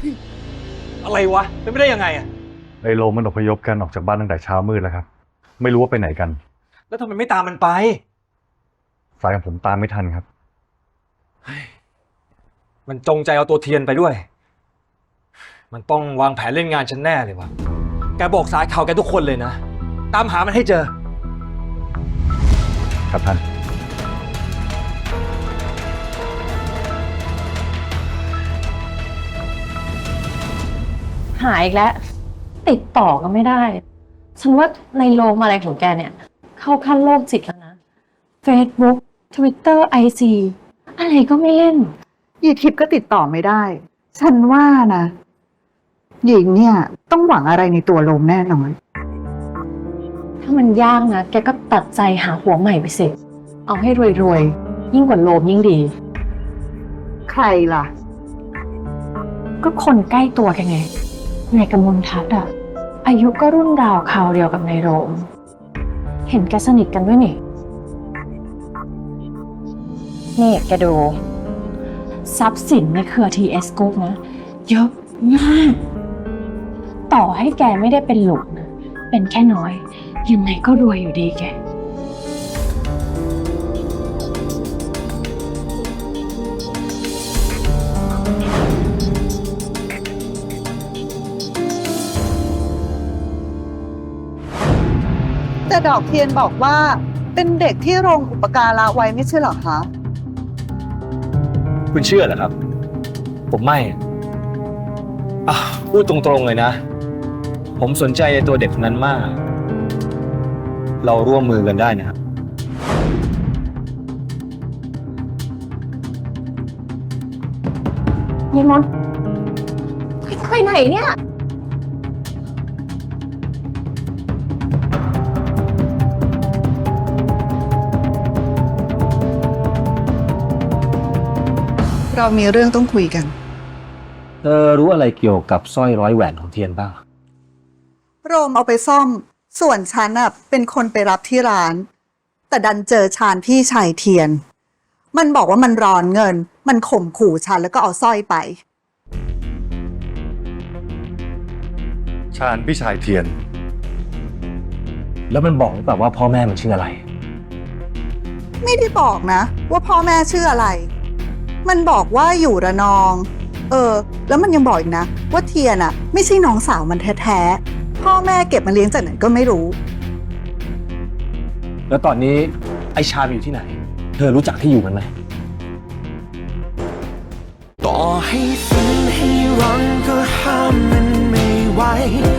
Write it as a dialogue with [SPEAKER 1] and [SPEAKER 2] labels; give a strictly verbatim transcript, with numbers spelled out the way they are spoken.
[SPEAKER 1] อะไรวะเป็นไม่ได้ยังไงอะ
[SPEAKER 2] ไอโลมันอพยพกันออกจากบ้านตั้งแต่เช้ามืดแล้วครับไม่รู้ว่าไปไหนกัน
[SPEAKER 1] แล้วทำไมไม่ตามมันไป
[SPEAKER 2] สายของผมตามไม่ทันครับ
[SPEAKER 1] มันจงใจเอาตัวเทียนไปด้วยมันต้องวางแผนเล่นงานฉันแน่เลยวะแกบอกสายข่าวแกทุกคนเลยนะตามหามันให้เจอ
[SPEAKER 2] ครับท่าน
[SPEAKER 3] หายอีกแล้วติดต่อก็ไม่ได้ฉันว่าในโลกอะไรของแกเนี่ยเข้าขั้นโรคจิตแล้วนะ Facebook Twitter ไอ จี อะไรก็ไม่เล่น
[SPEAKER 4] ยีทิพย์ก็ติดต่อไม่ได้ฉันว่านะหญิงเนี่ยต้องหวังอะไรในตัวโลมแน่นอน
[SPEAKER 3] ถ้ามันยากนะแกก็ตัดใจหาหัวใหม่ไปสิเอาให้รวยๆยิ่งกว่าโลมยิ่งดี
[SPEAKER 4] ใครล่ะ
[SPEAKER 3] ก็คนใกล้ตัวแกไงนายกมลทัศน์อะอายุก็รุ่นราวคราวเดียวกับนายโรมเห็นแกสนิทกันด้วยนี่นี่แกดูทรัพย์สินในเครือ ที เอส Group นะเยอะมากต่อให้แกไม่ได้เป็นหลุกนะเป็นแค่น้อยยังไงก็รวยอยู่ดีแก
[SPEAKER 4] แต่ดอกเทียนบอกว่าเป็นเด็กที่โรงอุปการะไว้ไม่ใช่เหรอคะ
[SPEAKER 1] คุณเชื่อเหรอครับผมไม่อ่ะพูดตรงๆเลยนะผมสนใจในตัวเด็กคนนั้นมากเราร่วมมือกันได้นะครับ
[SPEAKER 3] ยี่มนไปไหนเนี่ย
[SPEAKER 4] เรามีเรื่องต้องคุยกัน
[SPEAKER 1] เธอรู้อะไรเกี่ยวกับสร้อยร้อยแหวนของเทียนบ้าง
[SPEAKER 4] โรมเอาไปซ่อมส่วนฉันน่ะเป็นคนไปรับที่ร้านแต่ดันเจอชาญพี่ชายเทียนมันบอกว่ามันร้อนเงินมันข่มขู่ฉันแล้วก็เอาสร้อยไป
[SPEAKER 2] ชาญพี่ชายเทียน
[SPEAKER 1] แล้วมันบอกหรือเปล่าว่าพ่อแม่มันชื่ออะไร
[SPEAKER 4] ไม่ได้บอกนะว่าพ่อแม่ชื่ออะไรมันบอกว่าอยู่ระนองเออแล้วมันยังบอกอีกนะว่าเทียนอ่ะไม่ใช่น้องสาวมันแท้ๆพ่อแม่เก็บมาเลี้ยงจากไหนก็ไม่รู้
[SPEAKER 1] แล้วตอนนี้ไอชาญอยู่ที่ไหนเธอรู้จักที่อยู่มันไหม
[SPEAKER 5] ต่อให้ฝันให้หวังก็ห้ามมันไม่ไหว